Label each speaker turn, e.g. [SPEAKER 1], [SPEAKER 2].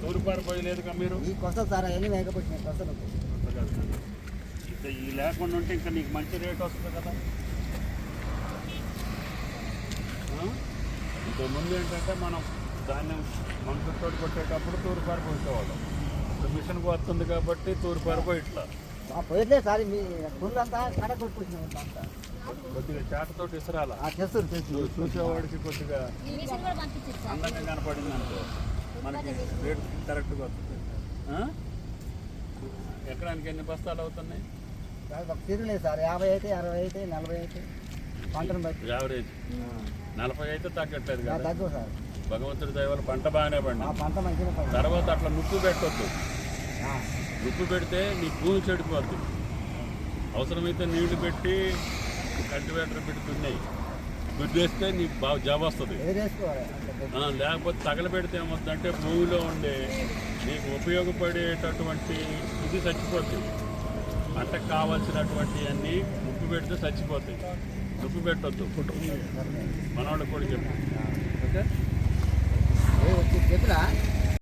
[SPEAKER 1] తూర్పారు పోయలేదుగా మీరు
[SPEAKER 2] వస్తుంది సార్ అవన్నీ వేయకపోతే వస్తుంది.
[SPEAKER 1] ఈ లేకుండా ఉంటే ఇంకా నీకు మంచి రేట్ వస్తుంది కదా. ఇంతకు ముందు ఏంటంటే మనం ధాన్యం మనసుతో కొట్టేటప్పుడు తూర్పారు పోసేవాళ్ళం. ఇప్పుడు మిషన్కి వస్తుంది కాబట్టి తూర్పారు పోయిట్లా
[SPEAKER 2] పోయట్లేదు సార్. మీ ఫుల్ అంతా కడ కొట్టుకొచ్చినాం అంతా.
[SPEAKER 1] కొద్దిగా చాటతో ఇసరాల
[SPEAKER 2] చేస్తారు
[SPEAKER 1] చూసేవాడికి కొద్దిగా అందంగా కనపడింది అనుకో మనకి రేట్ కరెక్ట్గా వస్తుంది. ఎకరానికి ఎన్ని బస్తాలు అవుతున్నాయి?
[SPEAKER 2] తిరగలేదు సార్. 50 అయితే 60 అయితే 40 అయితే పంటను బట్టి
[SPEAKER 1] యావరేజ్ 40 అయితే తగ్గట్లేదు కదా.
[SPEAKER 2] తగ్గు సార్.
[SPEAKER 1] భగవంతుడి దయ వల్ల పంట బాగానే పండి.
[SPEAKER 2] పంట మంచిగా
[SPEAKER 1] తర్వాత అట్లా నుప్పు పెట్టొద్దు. నుప్పు పెడితే నీ భూమి చెడిపోద్ది. అవసరమైతే నీళ్లు పెట్టి కల్టివేటర్ పెట్టి దున్నాయి దుద్దేస్తే నీకు బాగా జాబ్ వస్తుంది. లేకపోతే తగలబెడితే ఏమవుతుందంటే భూమిలో ఉండే నీకు ఉపయోగపడేటటువంటి ఇది చచ్చిపోద్ది. పంటకు కావాల్సినటువంటి అన్నీ ఉప్పు పెడితే చచ్చిపోతాయి. ఉప్పు పెట్టొద్దు. మనవాళ్ళకి కూడా చెప్పు. ఓకే
[SPEAKER 2] చెప్పినా